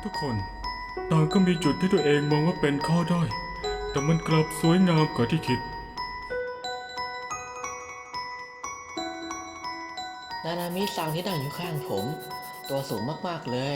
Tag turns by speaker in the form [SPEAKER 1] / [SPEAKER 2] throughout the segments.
[SPEAKER 1] ทุกคนต่างก็มีจุดที่ตัวเองมองว่าเป็นข้อด้อยแต่มันกลับสวยงามกว่าที่คิด
[SPEAKER 2] นานามิซังที่นั่งอยู่ข้างผม ตัวสูงมากๆเลย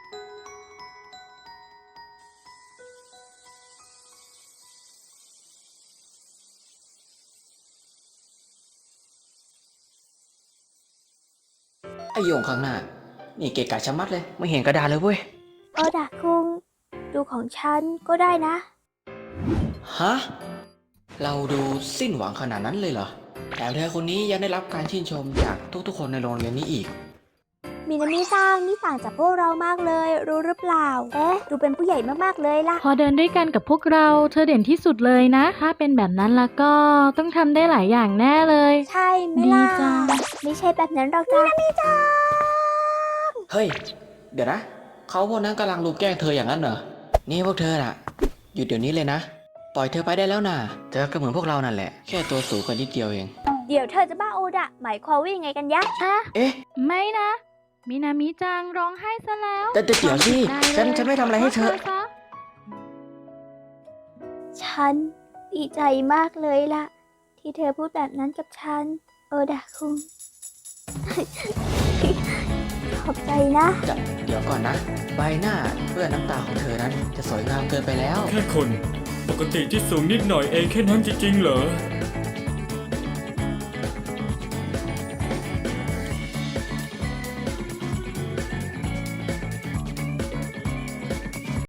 [SPEAKER 2] ไอโยงข้างหน้า นี่เกะกะชะมัดเลย ไม่เห็นกระดาษเลยเว้ย
[SPEAKER 3] โอดะคุงดูของฉันก็ได้นะ
[SPEAKER 2] ฮะ เราดูสิ้นหวังขนาดนั้นเลยเหรอแถมเธอคนนี้ยังได้รับการชื่นชมจากทุกๆคนในโรงเรียนนี้อีก
[SPEAKER 3] มินามิซังนี่ต่างจากพวกเรามากเลย รู้หรือเปล่า เอ๊ะ ดูเป็นผู้ใหญ่มากๆเลยล่ะ
[SPEAKER 4] พอเดินด้วยกันกับพวกเราเธอเด่นที่สุดเลยนะ ถ้าเป็นแบบนั้นแล้วก็ต้องทำได้หลายอย่างแน่เลย
[SPEAKER 3] ใช่ไหมล่ะ
[SPEAKER 4] ดีจัง
[SPEAKER 3] ไม่ใช่แบบนั้นหรอกจ้ะมินามิจัง
[SPEAKER 2] เฮ้ย เดี๋ยวนะ เขาพวกนั้นกำลังลุมแกล้งเธออย่างนั้นเหรอ นี่พวกเธอน่ะ หยุดเดี๋ยวนี้เลยนะ ปล่อยเธอไปได้แล้วน่ะ เธอก็เหมือนพวกเรานั่นแหละ แค่ตัวสูงกว่านิดเดียวเอง
[SPEAKER 3] เดี๋ยวเธอจะบ้าโอดะ หมายความว่ายังไงกันยะ
[SPEAKER 2] เอ๊ะ
[SPEAKER 4] ไม่นะ มินามิจังร้องไห้ซะแล้ว
[SPEAKER 2] แต่เดี๋ยวสิ
[SPEAKER 4] ได้เลย
[SPEAKER 2] ฉันไม่ทำอะไรให้เธอ
[SPEAKER 4] ขโทษซะ
[SPEAKER 3] ฉันดีใจมากเลยล่ะ ที่เธอพูดแบบนั้นกับฉัน โอดะคุง ขอบใจนะ
[SPEAKER 2] เดี๋ยวก่อนนะ ใบหน้าเปื้อนน้ำตาของเธอนั้นจะสวยงามเกินไปแล้ว
[SPEAKER 1] แค่คนปกติที่สูงนิดหน่อยเองแค่นั้นจริงๆเหรอ